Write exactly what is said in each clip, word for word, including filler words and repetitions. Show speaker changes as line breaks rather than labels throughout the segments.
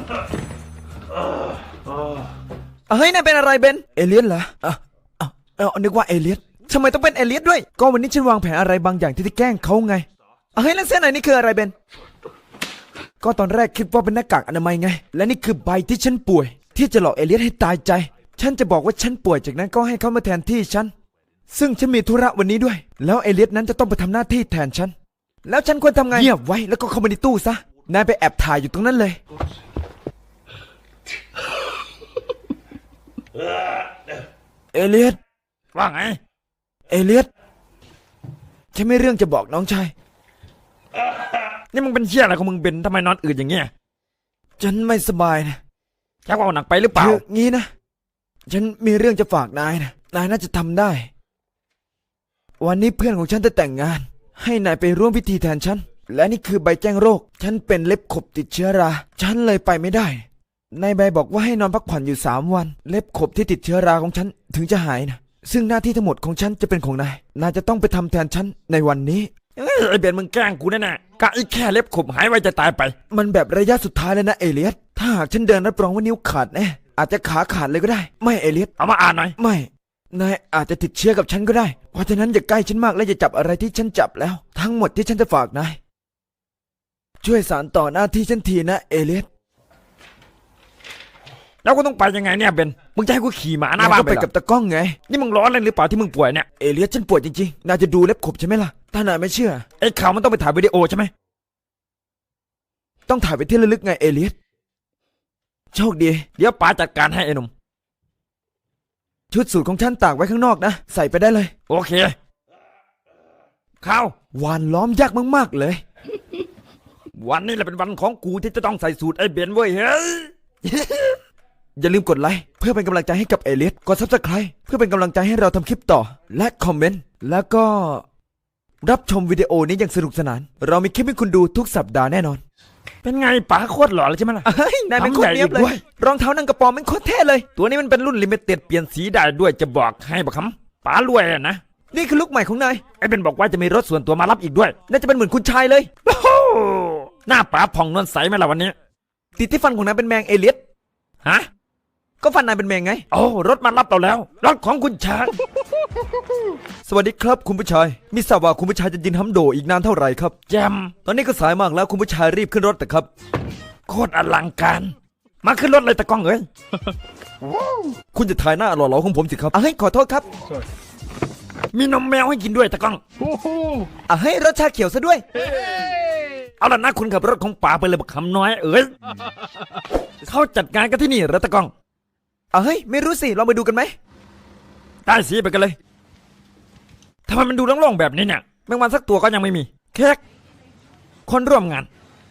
เฮ้ยนายเป็นอะไรเบนเอเลียสเหรออ่ะอ่ะเออนึกว่าเอเลียสทำไมต้องเป็นเอเลียสด้วยก็วันนี้ฉันวางแผนอะไรบางอย่างที่จะแกล้งเขาไงเฮ้ยแล้วเส้นไหนนี่คืออะไรเบนก็ตอนแรกคิดว่าเป็นหน้ากากอนามัยไงและนี่คือใบที่ฉันป่วยที่จะหลอกเอเลียสให้ตายใจฉันจะบอกว่าฉันป่วยจากนั้นก็ให้เขามาแทนที่ฉันซึ่งฉันมีธุระวันนี้ด้วยแล้วเอเลียสนั้นจะต้องไปทำหน้าที่แทนฉันแล้วฉันควรทำไงเงียบไว้แล้วก็เข้ามาในตู้ซะนายไปแอบถ่ายอยู่ตรงนั้นเลยเอเลียส
ว่าไง
เอเลียสฉันไม่เรื่องจะบอกน้องชาย
นี่มึงเป็นเชี่ยอะไรของมึงเป็นทำไมนอนอืดอย่างเงี้ย
ฉันไม่สบายนะ
แค่ว่าหนักไปหรือเปล่า
คืองี้นะฉันมีเรื่องจะฝากนายนะนายน่าจะทำได้วันนี้เพื่อนของฉันจะแต่งงานให้นายไปร่วมพิธีแทนฉันและนี่คือใบแจ้งโรคฉันเป็นเล็บขบติดเชื้อราฉันเลยไปไม่ได้นายใบบอกว่าให้นอนพักผ่อนอยู่สามวันเล็บขบที่ติดเชื้อราของฉันถึงจะหายนะซึ่งหน้าที่ทั้งหมดของฉันจะเป็นของนายนายจะต้องไปทำแทนฉันในวันนี้
ไอเบนมึงแกล้งกูแน่ๆกะอีแค่เล็บขบหายไวจะตายไป
มันแบบระยะสุดท้ายเลยนะเอเลียสถ้าหากฉันเดินรับรองว่านิ้วขาดแน่อาจจะขาขาดเลยก็ได้ไม่เอเลียส
เอามาอ่านหน่อย
ไม่นายอาจจะติดเชื้อกับฉันก็ได้เพราะฉะนั้นอย่าใกล้ฉันมากและอย่าจับอะไรที่ฉันจับแล้วทั้งหมดที่ฉันจะฝากนายช่วยสานต่อหน้าที่ฉันทีนะเอเลียส
แล้วกูต้องไปยังไงเนี่ยเบนมึงจะให้กูขี่หมาหน้าบ้าน
ไปกับตะก้องไง
นี่มึงร้อนเลยหรือเปล่าที่มึงป่วยเนี่ย
เอเลียสฉันป่วยจริงๆนายจะดูเล็บขบใช่ไหมล่ะถ้านายไม่เชื่อ
ไอ้ข่าวมันต้องไปถ่ายวิดีโอใช่ไหม
ต้องถ่ายไปที่ระลึกไงเอเลียสโชคดี
เดี๋ยวป๋าจัดการให้ไอ้หนุ่ม
ชุดสูทของฉันตากไว้ข้างนอกนะใส่ไปได้เลย
โอเคข้าว
วานล้อมยากมากๆเลย
วันนี้แหละเป็นวันของกูที่จะต้องใส่สูทไอ้เบนเว้ยเฮ้ย
อย่าลืมกดไลค์เพื่อเป็นกำลังใจให้กับเอเลียสกดซับสไครป์เพื่อเป็นกำลังใจให้เราทำคลิปต่อและคอมเมนต์แล้วก็รับชมวิดีโอนี้อย่างสนุกสนานเรามีคลิปให้คุณดูทุกสัปดาห์แน่นอน
เป็นไงป๋าโคตรหล่อเลยใช่ไหมล่ะ
เฮ้ยนายเป็นโคตรเนี้ยบเลยรองเท้านังกระปอมเป็นโคตรเท่เลย
ตัวนี้มันเป็นรุ่นลิมิเต็ดเปลี่ยนสีได้ด้วยจะบอกให้บักคำป๋ารวยอะนะ
นี่คือลุคใหม่ของนาย
ไอ้เบนบอกว่าจะมีรถส่วนตัวมารับอีกด้วย
น่าจะเป็นเหมือนคุณชายเลย
โอ้โหหน้าป๋าผ่องนวลใสไหมล่ะวันนี้
ติดที่ฟันของนายเป็นแมงเอเลียส
ฮะ
ก็ฟันนายเป็นแมงไง
โอ้รถมารับเราแล้วรถของคุณชาย
สวัสดีครับคุณผู้ชายมิทราบว่าคุณผู้ชายจะยินฮัมโดอีกนานเท่าไหร่ครับ
แจม
ตอนนี้ก็สายมากแล้วคุณผู้ชายรีบขึ้นรถแต่ครับ
โคตรอลังการมาขึ้นรถเลยตะก้องเอ้ย
คุณจะถ่ายหน้าหล่อๆของผมสิครับอ่ะให้ขอโทษครับ
มีนมแมวให้กินด้วยตะก้อง
อ่ะให้รสชาเขียวซะด้วย
เอาล่ะนะคุณขับรถของป๋าไปเลยบักคำน้อยเอ้ยเขาจัดการกันที่นี่เหรอตะก้อง
อ่ะเฮ้ยไม่รู้สิลองไปดูกันไหม
ได้สิไปกันเลยทำไมมันดูโล่งๆแบบนี้เนี่ยแมงวันสักตัวก็ยังไม่มีแค่คนร่วมงาน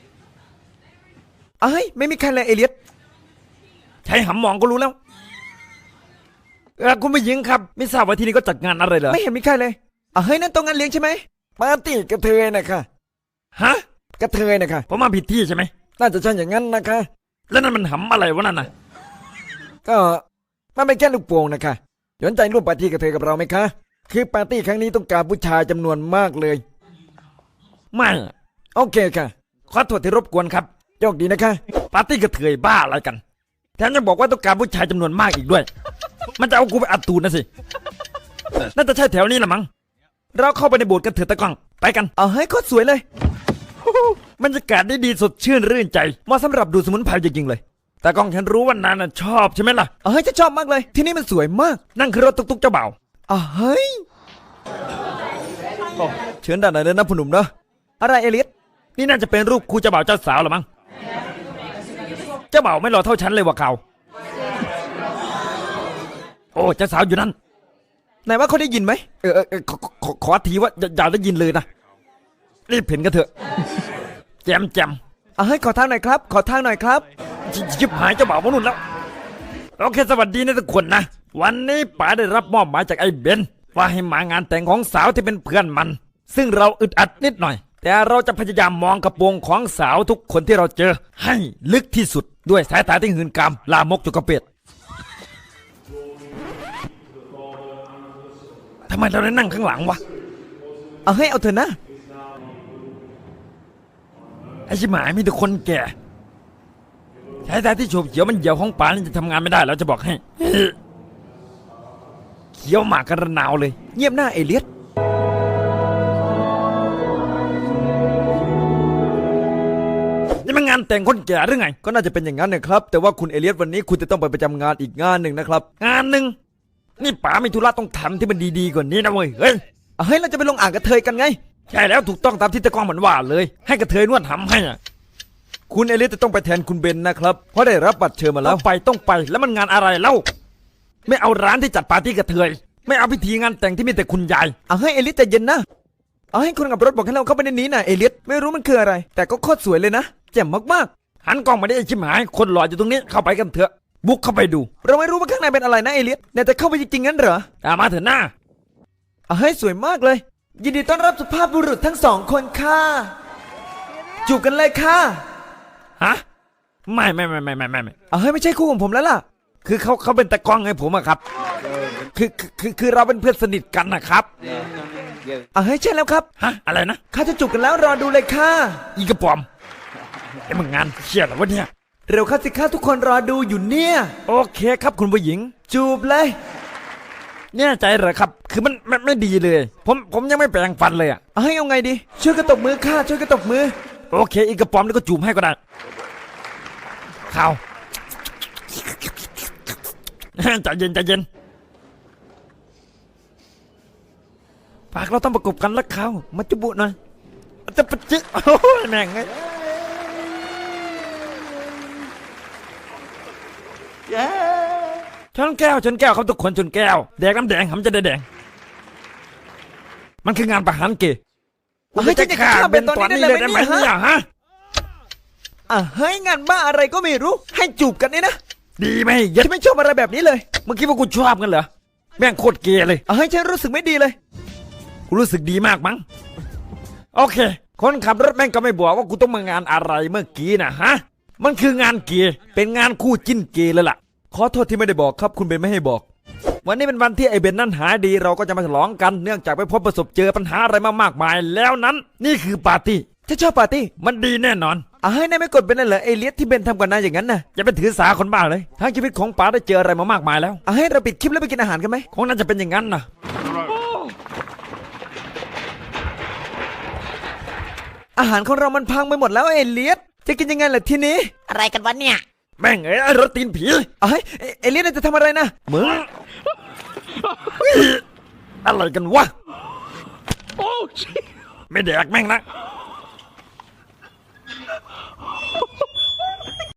เอ้ยไม่มีใครเลยเอเลียส
ใช้หำมองก็รู้แล้วเออคุณผู้หญิงครับไม่ทราบว่าที่นี่ก็จัดงานอะไรเหรอ
ไม่เห็นมีใครเลยอ่ะเฮ้ยนั่นตรงงานเลี้ยงใช่ไหม
ปาร์ตี้กระเทยนะคะฮะ
กระเทยนะคะ
ผมมาผิดที่ใช่ไหม
น่าจะใช่อย่างนั้นนะคะ
แล้วนั่นมันหำอะไรวะนั่นน่ะ
ก็มันเป็นแค่ลูกโป่งนะคะสนใจร่วมปาร์ตี้กระเทยกับเราไหมคะคือปาร์ตี้ครั้งนี้ต้องการผู้ชายจำนวนมากเลย
ไม่
โอเคค่ะ
ขอโทษที่รบกวนครับ
โชคดีนะคะ
ปาร์ตี้กระเทยบ้าอะไรกันแถมยังบอกว่าต้องการผู้ชายจำนวนมากอีกด้วยมันจะเอากูไปอัดตูนนะสิน่าจะใช่แถวนี้ละมั้งเราเข้าไปในโบสถ์กันเถอะตะก้องไปกัน
เอาให้โคตรสวยเลย
บรรยากาศได้ดีสดชื่นรื่นใจ
เหมาะสำหรับดูสมุนไพรจริงๆเลย
แต่ก้องฉันรู้ว่านานชอบใช่ไหมล่ะ
เฮ้ยจะชอบมากเลยที่นี่มันสวยมาก
นั่งคือรถตุ๊กๆเจ้าบ่าว
อ่ะเฮ้ยเชิญด้านไหนเลยนะผู้หนุ่มเนาะอะไรเอเลียส
นี่น่าจะเป็นรูปคู่เจ้าบ่าวเจ้าสาวหรือมั้งเจ้าบ่าวไม่หล่อเท่าฉันเลยว่ะเขาโอ้เจ้าสาวอยู่นั่น
ไหนว่าเขาได้ยินไหม
เออเออขอขอขอทีว่าอย่าได้ยินเลยนะรีบเห็นกันเถอะแจมแจม
อ่ะให้ขอทางหน่อยครับขอทางหน่อยครับ
ชิบหายเจ้าบ่าวมานุ่นแล้วโอเคสวัสดีนะทุกคนนะวันนี้ป๋าได้รับมอบหมายจากไอ้เบนว่าให้มางานแต่งของสาวที่เป็นเพื่อนมันซึ่งเราอึดอัดนิดหน่อยแต่เราจะพยายามมองกระโปรงของสาวทุกคนที่เราเจอให้ลึกที่สุดด้วยสายตาที่หื่นกามลามกจุกกระเป็ดทำไมเราได้นั่งข้างหลังวะ
เอาให้เอาเถอะนะ
ไอ้ชิบหายมีแต่คนแก่แถแท้ๆที่โฉบเขียวมันเหี่ยวของป๋านี่จะทำงานไม่ได้แล้วจะบอกให้เขียวหมากกระนาวเลย
เงียบหน้าเอเลียส
นี่มันงานแต่งคนแก่หรือไง
ก็น่าจะเป็นอย่างนั้นนะครับแต่ว่าคุณเอเลียสวันนี้คุณจะต้องไปประจำงานอีกงานหนึ่งนะครับ
งานหนึ่งนี่ป๋ามีธุระต้องทำที่มันดีๆกว่านี้นะเว้ยเฮ้ย
อ่ะเฮ้ยเราจะไปลงอ่างกระเทยกันไง
ใช่แล้วถูกต้องตามที่ตะกล้องมันว่าเลย ให้กระเทยนวดทำให้อ่ะ
คุณเอเลียสจะต้องไปแทนคุณเบนนะครับเพราะได้รับบัตรเชิญมาแล้
แล้ว วไปต้องไปแล้วมันงานอะไรเล่าไม่เอาร้านที่จัดปาร์ตี้กระเทยไม่เอาพิธีงานแต่งที่มีแต่คุณยาย
อ่ะเฮ้ยเอเลียสใจเย็นนะเอาให้คนขับรถบอกให้เราเข้าไปในนี้นะเอเลียสไม่รู้มันคืออะไร แต่ก็โคตรสวยเลยนะแจ่มมาก
หันกล้องมาได้ไอ้ชิบหายคนหล่ออยู่ตรงนี้เข้าไปกันเถอะบุกเข้าไปดู
ๆเราไม่รู้ว่าข้างในเป็นอะไรนะเอเลียสเนี่ยแต่เข้าไปจริงๆงั้นเหรอ
ตามมาเถอะหน้า
อ่ะเฮ้ยสวยมากเลย ยินดีต้อนรับสุภาพบุรุษทั้งสองคนค่ะจูบกันเลยค่ะ
ฮะไม่ไม่ไม่ไม่ไม่ไม่ไม่
อ่ะเฮ้ยไม่ใช่คู่ของผมแล้วล่ะ
คือเขาเขาเป็นตะกล้องให้ผมอะครับคือคือคือคือเราเป็นเพื่อนสนิทกันนะครับ
อ่ะเฮ้ยใช่แล้วครับ
ฮะอะไรนะ
ข้าจะจูบกันแล้วรอดูเลยค่ะ
อีกระปอมไอ้มึงงานเชี่ยเหรอวะเนี่ย
เร็วเข้าสิค่ะทุกคนรอดูอยู่เนี่ย
โอเคครับคุณผู้หญิง
จูบเลย
แน่ใจเหรอครับ คือมันมันไม่ดีเลย ผมผมยังไม่แปรงฟันเลยอะ
เอาให้เอาไงดี ช่วยกระตบมือค่ะช่วยกระตบมือ
โอเค อีกกระป๋อมนี่ก็จูบให้ก็ได้ข่าว ใจเย็นใจเย็นปากเราต้องประกบกันแล้วข่าวมาจุบุหน่อยจะปะจึ๊โอ้ยแม่งไงชนแก้วชนแก้วครับทุกคนชนแก้วแดกน้ำแดงผมจะได้แดงมันคืองานประหารเกย์
เฮ้ยจะฆ่าเบนตอนนี้ได้เลยไหมเนี่ย
ฮะ
อ่ะเฮ้ยงานบ้าอะไรก็ไม่รู้ ให้จูบกันนี่นะ
ดีไหมเยัด
ฉันไม่ชอบอะไรแบบนี้เลย
เมื่อกี้ว่ากูชอบกันเหรอแม่งโคตรเกย์เลย
อ่ะเฮ้ยฉันรู้สึกไม่ดีเลย
กูรู้สึกดีมากมั้งโอเค คนขับรถแม่งก็ไม่บอกว่ากูต้องมางานอะไรเมื่อกี้นะฮะมันคืองานเกย์เป็นงานคู่จิ้นเกย์เลยล่ะ
ขอโทษที่ไม่ได้บอกครับคุณเบนไม่ให้บอก
วันนี้เป็นวันที่ไอ้เบนนั้นหายดีเราก็จะมาฉลองกันเนื่องจากไปพบประสบเจอปัญหาอะไรมามากมายแล้วนั้น นี่คือปาร์ตี้
ฉันชอบปาร์ตี้
มันดีแน่นอน
อ่ะเฮ้ยนายไม่กดเป็นนั่นเหรอเอเลียสที่เบนทำกับนายอย่างนั้นน่ะ
อย่าไปถือสาคนบ้าเลยทั้งชีวิตของป๋าได้เจออะไรมามากมายแล้ว
อ่ะให้เราปิดคลิปแล้วไปกินอาหารกันไหม
คงน่าจะเป็นอย่างนั้นนะ
อาหารของเรามันพังไปหมดแล้วเอเลียสจะกินยังไงล่ะทีนี้
อะไรกันวะเนี่ย
แม่งเอ้ยไอ้รถตีนผี
อ่ะเฮ้ยเอเอเลียสนายจะทำอะไรนะ
มึงอะไรกันวะไม่แดกแม่งนะ